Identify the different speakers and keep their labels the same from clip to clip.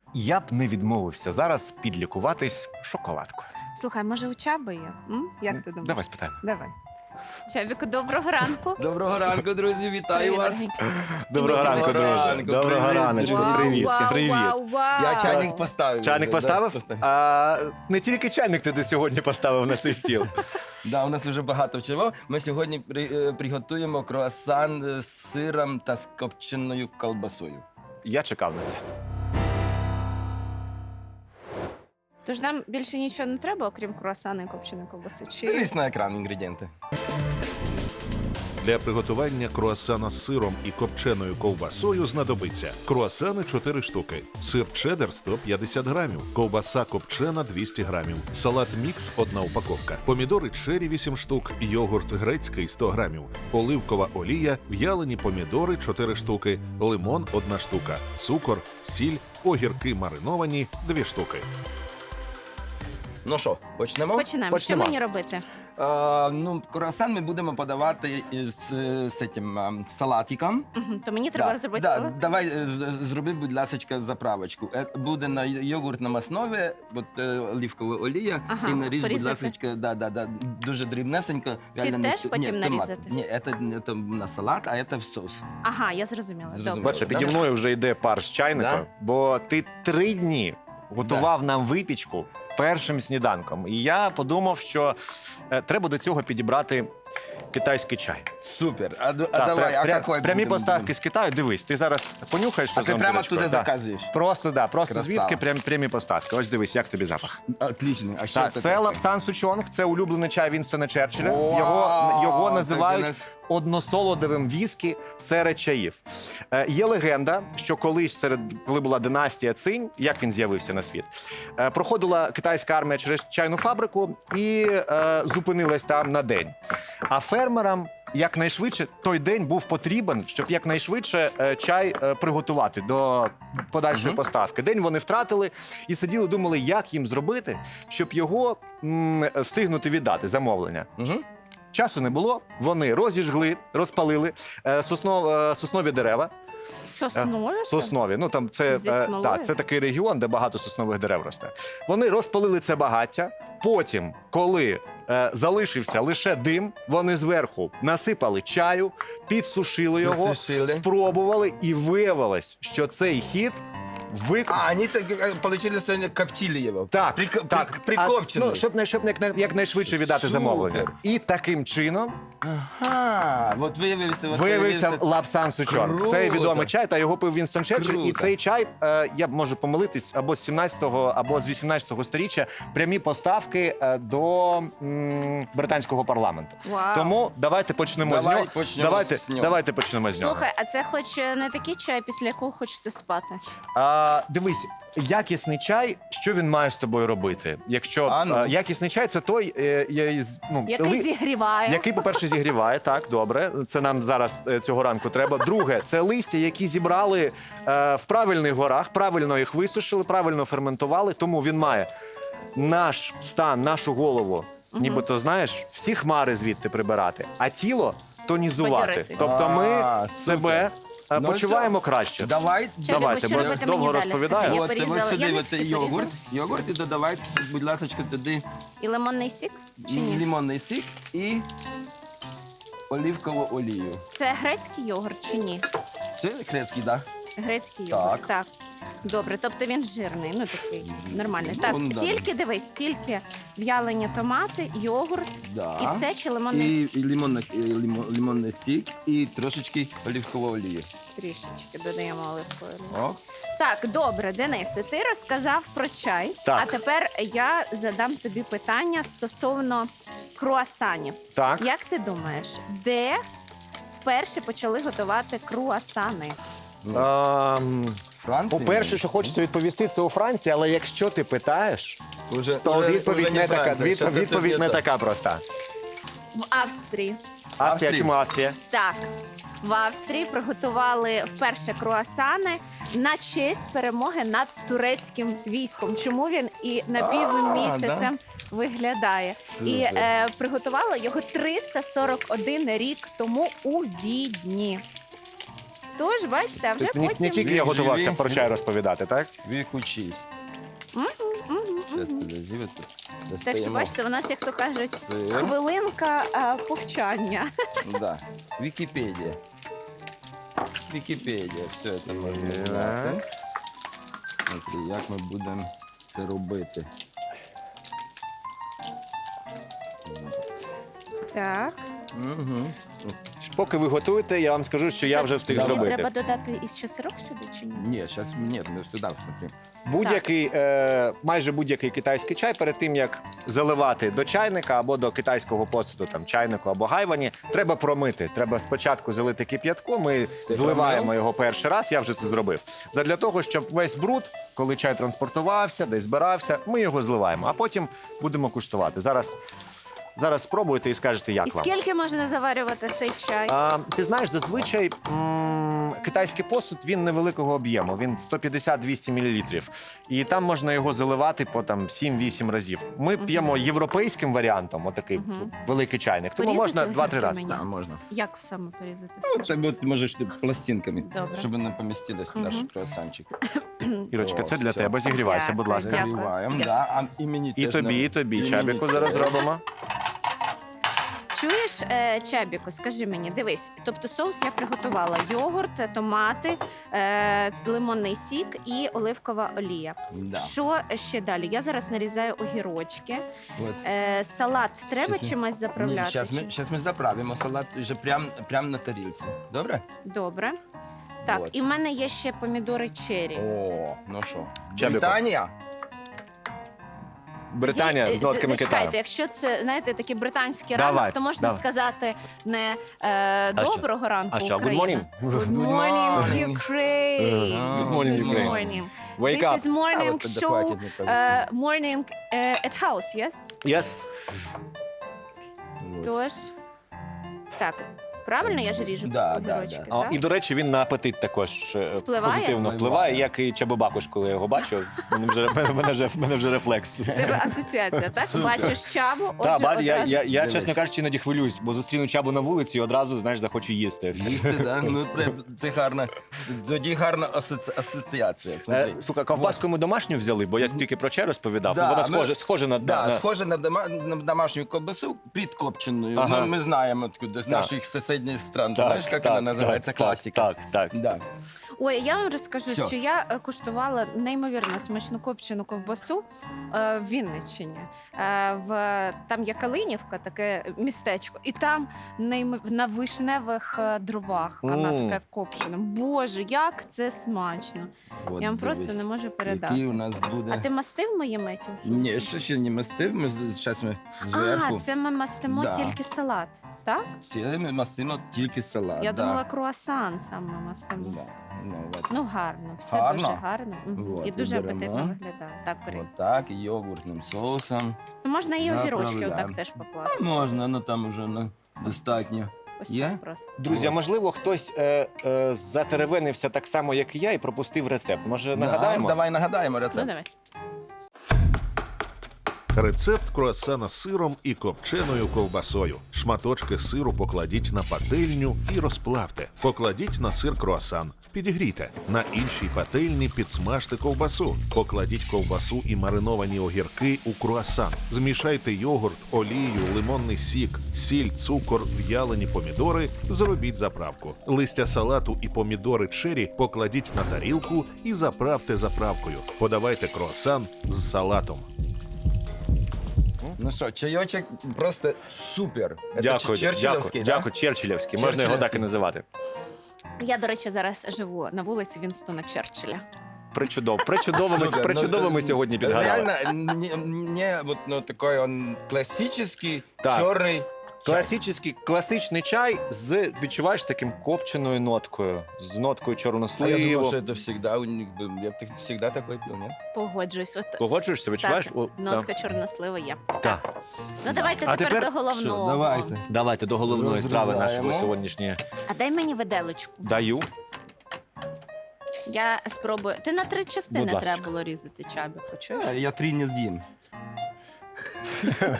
Speaker 1: Я б не відмовився зараз підлікуватись шоколадкою.
Speaker 2: Слухай, може у Чаби є? Як ти думаєш?
Speaker 1: Давай спитаємо.
Speaker 2: Давай. Чабіку, доброго ранку.
Speaker 3: Доброго ранку, друзі, вітаю
Speaker 2: Привіт,
Speaker 3: вас.
Speaker 2: дорогий.
Speaker 1: Доброго ранку, друже.
Speaker 3: ранку,
Speaker 1: Доброго
Speaker 3: привіт,
Speaker 1: раночку,
Speaker 3: привіт.
Speaker 1: привіт.
Speaker 2: Вау,
Speaker 1: Привіт.
Speaker 2: вау, вау.
Speaker 3: Я чайник поставив.
Speaker 1: Чайник
Speaker 3: вже,
Speaker 1: поставив?
Speaker 3: да,
Speaker 1: Не тільки чайник ти до сьогодні поставив на цей стіл.
Speaker 3: Да, у нас вже багато чого. Ми сьогодні приготуємо круасан з сиром та з копченою колбасою.
Speaker 1: Я чекав на це.
Speaker 2: Тож нам більше нічого не треба, окрім круасана і копченої ковбаси? Чи...
Speaker 3: Дивись на екран інгредієнти.
Speaker 4: Для приготування круасана з сиром і копченою ковбасою знадобиться круасани 4 штуки, сир чеддер 150 грамів, ковбаса копчена 200 грамів, салат мікс 1 упаковка, помідори черрі 8 штук, йогурт грецький 100 грамів, оливкова олія, в'ялені помідори 4 штуки, лимон 1 штука, цукор, сіль, огірки мариновані 2 штуки.
Speaker 3: Ну що, почнемо?
Speaker 2: Починаємо. Що
Speaker 1: Почнемо.
Speaker 2: мені робити?
Speaker 3: Круасан ми будемо подавати з цим салатиком.
Speaker 2: То мені треба розробити салат?
Speaker 3: Давай зроби, будь ласка, заправочку. Буде на йогуртному основі, оливкова олія,
Speaker 2: Ага,
Speaker 3: і наріж, будь
Speaker 2: порізати.
Speaker 3: ласка, дуже дрібнесенько.
Speaker 2: Ці теж потім
Speaker 3: томат.
Speaker 2: нарізати?
Speaker 3: Ні, це на салат, а це в соус.
Speaker 2: Ага, я зрозуміла.
Speaker 3: Зрозуміла.
Speaker 2: Добре.
Speaker 1: Бачиш, піді мною вже йде пар з чайника,
Speaker 3: Да?
Speaker 1: бо ти 3 дні готував нам випічку першим сніданком. І я подумав, що треба до цього підібрати китайський чай.
Speaker 3: Супер.
Speaker 1: Так,
Speaker 3: какой
Speaker 1: прямі
Speaker 3: будемо?
Speaker 1: поставки з Китаю. Дивись, ти зараз понюхаєш, що
Speaker 3: А ти прямо туди заказуєш?
Speaker 1: Просто
Speaker 3: Красава.
Speaker 1: звідки прямі поставки. Ось дивись, як тобі запах.
Speaker 3: Отлично. А що
Speaker 1: Так,
Speaker 3: це
Speaker 1: це
Speaker 3: таке?
Speaker 1: лапсан сучонг, це улюблений чай Вінстона Черчилля.
Speaker 3: Вау,
Speaker 1: Його
Speaker 3: так
Speaker 1: називають
Speaker 3: у нас-
Speaker 1: односолодовим віскі серед чаїв. Є легенда, що колись, коли була династія Цинь, як він з'явився на світ, проходила китайська армія через чайну фабрику і зупинилась там на день. А фермерам якнайшвидше той день був потрібен, щоб якнайшвидше чай приготувати до подальшої поставки. День вони втратили і сиділи, думали, як їм зробити, щоб його встигнути віддати, замовлення.
Speaker 3: Мгм.
Speaker 1: Часу не було, вони розіжгли, розпалили соснові дерева.
Speaker 2: Соснові?
Speaker 1: Соснові. Ну там це,
Speaker 2: Зі смолою?
Speaker 1: це такий регіон, де багато соснових дерев росте. Вони розпалили це багаття. Потім, коли залишився лише дим, вони зверху насипали чаю, підсушили його,
Speaker 3: Присушили.
Speaker 1: спробували, і виявилось, що цей хід
Speaker 3: Они получили сегодня коптили его.
Speaker 1: Так,
Speaker 3: Прикопчений.
Speaker 1: щоб якнайшвидше віддати
Speaker 3: Супер.
Speaker 1: замовлення. І таким чином
Speaker 3: Ага, от
Speaker 1: виявився лапсан сучонг.
Speaker 3: Круто.
Speaker 1: Це відомий чай, та його пив Вінстон Черчилль. І
Speaker 3: Круто.
Speaker 1: цей чай, я можу помилитись, або з 17-го, або з 18-го сторіччя, прямі поставки до британського парламенту.
Speaker 2: Вау.
Speaker 1: Тому давайте почнемо
Speaker 3: Давай
Speaker 1: з нього.
Speaker 3: почнемо з нього.
Speaker 1: Давайте почнемо з нього.
Speaker 2: Слухай, а це хоч не такий чай, після якого хочеться спати?
Speaker 1: Дивись, якісний чай, що він має з тобою робити? Якщо
Speaker 3: А, ну.
Speaker 1: якісний чай, це той,
Speaker 2: Який зігріває.
Speaker 1: який, по-перше, зігріває, так, добре. Це нам зараз цього ранку треба. Друге, це листя, які зібрали в правильних горах, правильно їх висушили, правильно ферментували, тому він має наш стан, нашу голову, нібито, знаєш, всі хмари звідти прибирати, а тіло тонізувати.
Speaker 2: Бадьорити.
Speaker 1: Тобто ми
Speaker 3: А,
Speaker 1: себе
Speaker 3: Ну,
Speaker 1: почуваємо краще.
Speaker 3: Давай.
Speaker 1: Давайте,
Speaker 2: що
Speaker 1: бо
Speaker 2: робити
Speaker 1: довго
Speaker 2: мені далі?
Speaker 1: розповідаю.
Speaker 2: Скажи, я
Speaker 3: От
Speaker 2: порізала.
Speaker 3: сюди
Speaker 2: Я не
Speaker 3: от
Speaker 2: всі
Speaker 3: йогурт.
Speaker 2: порізала.
Speaker 3: Йогурт і додавай, будь ласка, туди
Speaker 2: І лимонний сік? Чи ні?
Speaker 3: лимонний сік і оливкову олію.
Speaker 2: Це грецький йогурт чи ні?
Speaker 3: Це грецький, так?
Speaker 2: Грецький
Speaker 3: Так.
Speaker 2: йогурт, так. Добре, тобто він жирний, ну такий нормальний. Так,
Speaker 3: Ну, да.
Speaker 2: тільки дивись, тільки в'ялені томати, йогурт
Speaker 3: Да.
Speaker 2: і все, чи лимонний
Speaker 3: І лимонний сік, і трошечки оливкової олії.
Speaker 2: трішечки додаємо оливкової.
Speaker 3: О,
Speaker 2: Так, добре, Денисе, ти розказав про чай,
Speaker 1: Так.
Speaker 2: а тепер я задам тобі питання стосовно круасанів.
Speaker 1: Так.
Speaker 2: Як ти думаєш, де вперше почали готувати круасани?
Speaker 3: Франція?
Speaker 1: По-перше, що хочеться відповісти, це у Франції, але якщо ти питаєш,
Speaker 3: Уже-
Speaker 1: то
Speaker 3: уже-
Speaker 1: відповідь
Speaker 3: уже
Speaker 1: не така,
Speaker 3: Франція, щас це
Speaker 1: відповідь не
Speaker 3: це.
Speaker 1: така проста.
Speaker 2: В Австрії.
Speaker 1: Австрія,
Speaker 3: Австрії.
Speaker 1: чому Австрія?
Speaker 2: Так, в Австрії приготували вперше круасани на честь перемоги над турецьким військом. Чому він і напівмісяцем виглядає? І
Speaker 3: Супер.
Speaker 2: приготували його 341 рік тому у Відні. Тож, бачите, а вже
Speaker 1: Не
Speaker 2: потім...
Speaker 1: тільки я
Speaker 3: Він
Speaker 1: готувався
Speaker 3: живий.
Speaker 1: про чай розповідати, так?
Speaker 3: Вікучись.
Speaker 2: Мгм, мгм,
Speaker 3: Зараз
Speaker 2: мгм.
Speaker 3: подожди, от тут
Speaker 2: Так що,
Speaker 3: достаємо
Speaker 2: бачите, у нас, як то кажуть,
Speaker 3: сир.
Speaker 2: хвилинка повчання.
Speaker 3: Да. Вікіпедія. Вікіпедія, все це можна
Speaker 1: Так.
Speaker 3: знати. Смотри, як ми будемо це робити.
Speaker 2: Так.
Speaker 3: Угу.
Speaker 1: Поки ви готуєте, я вам скажу, що я вже встиг
Speaker 3: Давай.
Speaker 1: зробити.
Speaker 2: Треба додати із сирок сюди чи ні?
Speaker 3: Ні, зараз ні, ми сюди смотри.
Speaker 1: Будь-який, майже будь-який китайський чай перед тим, як заливати до чайника або до китайського посуду, там чайнику або гайвані, треба промити. Треба спочатку залити кип'ятком, ми зливаємо
Speaker 3: промив?
Speaker 1: його перший раз, я вже це зробив. Задля того, щоб весь бруд, коли чай транспортувався, десь збирався, ми його зливаємо, а потім будемо куштувати. Зараз спробуйте і скажете, як
Speaker 2: І
Speaker 1: вам.
Speaker 2: скільки можна заварювати цей чай?
Speaker 1: Ти знаєш, зазвичай китайський посуд він невеликого об'єму, він 150-200 мл. І там можна його заливати по там 7-8 разів. Ми п'ємо європейським варіантом, отакий
Speaker 2: Мгм.
Speaker 1: великий чайник. Тому
Speaker 2: Порізати
Speaker 1: можна 2-3
Speaker 2: огірки
Speaker 1: рази.
Speaker 2: мені?
Speaker 3: Так, можна.
Speaker 2: Як саме порізати?
Speaker 3: Ну,
Speaker 2: скажи?
Speaker 3: так от можеш ти пластинками,
Speaker 2: Добре.
Speaker 3: щоб не помістились в наш круасанчик.
Speaker 1: Ірочка, це
Speaker 3: О,
Speaker 1: для
Speaker 3: все.
Speaker 1: тебе. Зігрівайся,
Speaker 2: Дякую,
Speaker 1: будь ласка.
Speaker 2: дякую.
Speaker 3: Заливаємо, да, а і мені
Speaker 1: І
Speaker 3: теж
Speaker 1: тобі,
Speaker 3: на-
Speaker 1: і тобі.
Speaker 3: і
Speaker 1: Чабіку
Speaker 3: мені
Speaker 1: зараз
Speaker 3: теж.
Speaker 1: зробимо.
Speaker 2: Чуєш, Чабіку, скажи мені, дивись, тобто соус я приготувала: йогурт, томати, лимонний сік і оливкова олія.
Speaker 3: Да.
Speaker 2: Що ще далі? Я зараз нарізаю огірочки.
Speaker 3: От.
Speaker 2: Салат треба
Speaker 3: Щас ми-
Speaker 2: чимось заправляти?
Speaker 3: Зараз ми заправимо салат вже прям на тарілці. Добре?
Speaker 2: Добре. Так,
Speaker 3: Вот.
Speaker 2: і в мене є ще помідори черрі.
Speaker 3: О, ну що?
Speaker 1: Чабіку.
Speaker 3: Британія?
Speaker 1: Британія
Speaker 2: Тоді,
Speaker 1: з нотками
Speaker 2: зачекайте,
Speaker 1: Китаю.
Speaker 2: якщо це, знаєте, такий британський
Speaker 1: Давай,
Speaker 2: ранок, то можна
Speaker 1: давай.
Speaker 2: сказати не
Speaker 1: що?
Speaker 2: доброго ранку,
Speaker 1: А що, good
Speaker 2: Україна.
Speaker 1: morning?
Speaker 2: Good morning,
Speaker 3: morning.
Speaker 2: Ukraine.
Speaker 1: Good morning,
Speaker 2: Good
Speaker 1: Ukraine.
Speaker 2: morning.
Speaker 1: Wake
Speaker 2: This
Speaker 1: up.
Speaker 2: is morning
Speaker 3: от це
Speaker 2: show,
Speaker 3: хватить, мені кажеться.
Speaker 2: morning at house, yes?
Speaker 1: Yes.
Speaker 3: Вот.
Speaker 2: Тож, так, правильно я ж ріжу
Speaker 3: Да, да,
Speaker 2: огірочки,
Speaker 3: да.
Speaker 2: так?
Speaker 1: І, до речі, він на апетит також
Speaker 2: Впливає?
Speaker 1: позитивно впливає, як і Чабобакуш, коли я його бачу. В мене вже рефлекс.
Speaker 2: В тебе асоціація, так? Бачиш чабу, отже,
Speaker 1: Так, я,
Speaker 2: одразу-
Speaker 1: я, я,
Speaker 3: Дивись.
Speaker 1: чесно кажучи, іноді хвилююсь, бо зустріну чабу на вулиці і одразу, знаєш, захочу їсти.
Speaker 3: Їсти, да? Ну це гарна. Тоді гарна асоціація. Смотри.
Speaker 1: Слухай, ковбаску ми домашню взяли, бо я стільки про чай розповідав.
Speaker 3: Да,
Speaker 1: Вона
Speaker 3: ми-
Speaker 1: схожа на...
Speaker 3: Да,
Speaker 1: на-
Speaker 3: схоже на домашню ковбасу підкопченою.
Speaker 1: Ага.
Speaker 3: Ну, ми знаємо откуда, з
Speaker 1: Так.
Speaker 3: наших сусідніх стран.
Speaker 1: Так,
Speaker 3: Знаєш, як
Speaker 1: так,
Speaker 3: вона називається?
Speaker 1: так,
Speaker 3: Класика.
Speaker 1: Так.
Speaker 3: Да.
Speaker 2: Ой, я вам розкажу,
Speaker 3: Що?
Speaker 2: що я куштувала неймовірно смачну копчену ковбасу в Вінниччині. Там є Калинівка, таке містечко, і там на вишневих дровах вона
Speaker 1: Мм.
Speaker 2: така копчена. Боже, як це смачно!
Speaker 3: От,
Speaker 2: Я вам просто
Speaker 3: дивись,
Speaker 2: не можу
Speaker 3: Який
Speaker 2: передати.
Speaker 3: у нас буде.
Speaker 2: А ти мастив мої меті?
Speaker 3: Ні, ще не мастив. Ми зараз ми зверху.
Speaker 2: А, це ми мастимо
Speaker 3: Да.
Speaker 2: тільки салат, так?
Speaker 3: Це ми мастимо тільки салат.
Speaker 2: Я
Speaker 3: да.
Speaker 2: думала, круасан саме мастимо.
Speaker 3: Да. Ну, от.
Speaker 2: Ну, гарно, все
Speaker 3: Гарно?
Speaker 2: дуже гарно. Мгм.
Speaker 3: Вот,
Speaker 2: І дуже
Speaker 3: беремо.
Speaker 2: апетитно виглядає. Так, бери.
Speaker 3: От так, йогуртним соусом.
Speaker 2: Ну, можна і огірочки
Speaker 3: Заправляємо.
Speaker 2: отак теж покласти.
Speaker 3: А можна, ну там уже достатньо.
Speaker 2: Ось
Speaker 3: Є?
Speaker 2: так просто.
Speaker 1: Друзі, а можливо, хтось затеревенився так само, як і я, і пропустив рецепт. Може,
Speaker 3: Да,
Speaker 1: нагадаємо?
Speaker 3: давай нагадаємо
Speaker 2: Ну,
Speaker 3: рецепт.
Speaker 2: давай.
Speaker 4: Рецепт круасана з сиром і копченою ковбасою. Шматочки сиру покладіть на пательню і розплавте. Покладіть на сир круасан. Підігрійте. На іншій пательні підсмажте ковбасу. Покладіть ковбасу і мариновані огірки у круасан. Змішайте йогурт, олію, лимонний сік, сіль, цукор, в'ялені помідори. Зробіть заправку. Листя салату і помідори чері покладіть на тарілку і заправте заправкою. Подавайте круасан з салатом.
Speaker 3: Ну що, чайочок просто супер. Це
Speaker 1: Дякую,
Speaker 3: черчиллівський, да?
Speaker 1: дякую, Черчиллівський. Можна його так і називати.
Speaker 2: Я, до речі, зараз живу на вулиці Вінстона Черчилля.
Speaker 1: Причудово ми сьогодні підгадали.
Speaker 3: Реально, не вот, ну, такой он классический,
Speaker 1: Так.
Speaker 3: чорний.
Speaker 1: Класичний чай з, відчуваєш, таким копченою ноткою. З ноткою
Speaker 3: А я думав,
Speaker 1: чорносливу.
Speaker 3: що це всегда у них был. Я б всегда такой пил, нет?
Speaker 2: Погоджуюсь. От
Speaker 1: Погоджуєшся, відчуваєш?
Speaker 2: так,
Speaker 1: О,
Speaker 2: нотка чорнослива є.
Speaker 1: так.
Speaker 2: Ну, давайте
Speaker 1: А
Speaker 2: тепер
Speaker 1: тепер
Speaker 2: до головного.
Speaker 3: Все, давайте.
Speaker 1: Давайте до головної страви
Speaker 3: Розрізаємо.
Speaker 1: нашої сьогоднішньої.
Speaker 2: А дай мені виделочку.
Speaker 1: Даю.
Speaker 2: Я спробую. Ти на 3 частини
Speaker 1: Будь ласка.
Speaker 2: треба було різати чабі, почуєш?
Speaker 3: Я 3 не з'їм.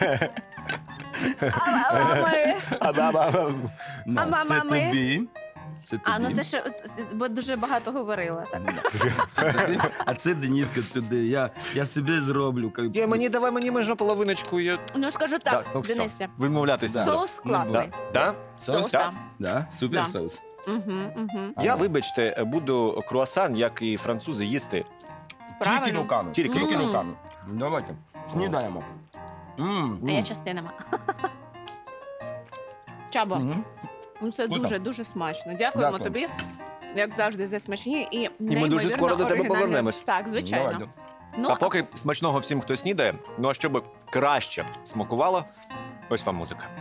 Speaker 2: А мама ми.
Speaker 3: На,
Speaker 2: мама
Speaker 3: це
Speaker 2: ми?
Speaker 3: тобі. Це тобі.
Speaker 2: А, ну це ще бо дуже багато говорила. Так.
Speaker 3: Це тобі. А це Дениска туди. Я собі зроблю.
Speaker 1: Давай мені можна половиночку.
Speaker 2: Ну скажу так,
Speaker 1: Ну, все.
Speaker 2: Денисе,
Speaker 1: Вимовлятися.
Speaker 3: Да.
Speaker 2: соус
Speaker 3: Ну,
Speaker 2: класний.
Speaker 1: Да?
Speaker 3: Соус?
Speaker 1: Так.
Speaker 3: Да? Супер
Speaker 2: Да.
Speaker 3: соус.
Speaker 2: Угу.
Speaker 1: Я, вибачте, буду круасан, як і французи, їсти.
Speaker 3: Тільки
Speaker 2: Правильно.
Speaker 3: руками.
Speaker 1: Тільки
Speaker 2: руками.
Speaker 3: руками. Давайте. Снідаємо.
Speaker 2: А я частинами. Чабо,
Speaker 3: Мгм.
Speaker 2: ну це
Speaker 3: Круто.
Speaker 2: дуже смачно. Дякуємо
Speaker 3: Дякую.
Speaker 2: тобі, як завжди, за смачні і
Speaker 1: дуже скоро до тебе
Speaker 2: оригінальні-
Speaker 1: повернемось.
Speaker 2: Так, звичайно.
Speaker 3: Давайте.
Speaker 2: Ну,
Speaker 1: А поки смачного всім, хто снідає. Ну а щоб краще смакувало, ось вам музика.